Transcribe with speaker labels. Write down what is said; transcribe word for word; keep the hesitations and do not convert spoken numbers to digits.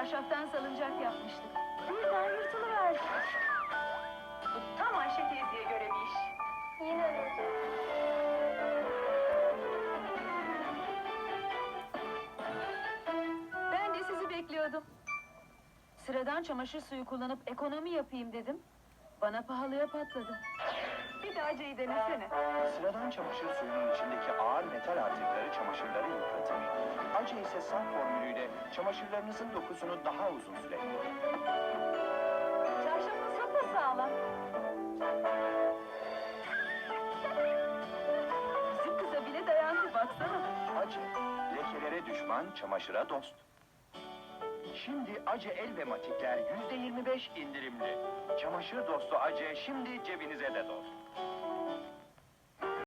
Speaker 1: Çarşaftan salıncak yapmıştık. Birden yırtılıverdi.
Speaker 2: Bu tam Ayşe teyzeye göre bir iş.
Speaker 1: Yine mi? Ben de sizi bekliyordum. Sıradan çamaşır suyu kullanıp ekonomi yapayım dedim. Bana pahalıya patladı.
Speaker 2: Bir de Ace'yi denesene.
Speaker 3: Sıradan çamaşır suyunun içindeki ağır metal artıkları çamaşırları yıpratır. Ace ise saf formülüyle çamaşırlarınızın dokusunu daha uzun süre korur.
Speaker 1: Çarşafın sapasağlam. Bizim kıza bile dayandı, baksana.
Speaker 3: Ace, lekelere düşman, çamaşıra dost. Şimdi Ace el ve matikler yüzde yirmi beş indirimli. Çamaşır dostu Ace şimdi cebinize de dost.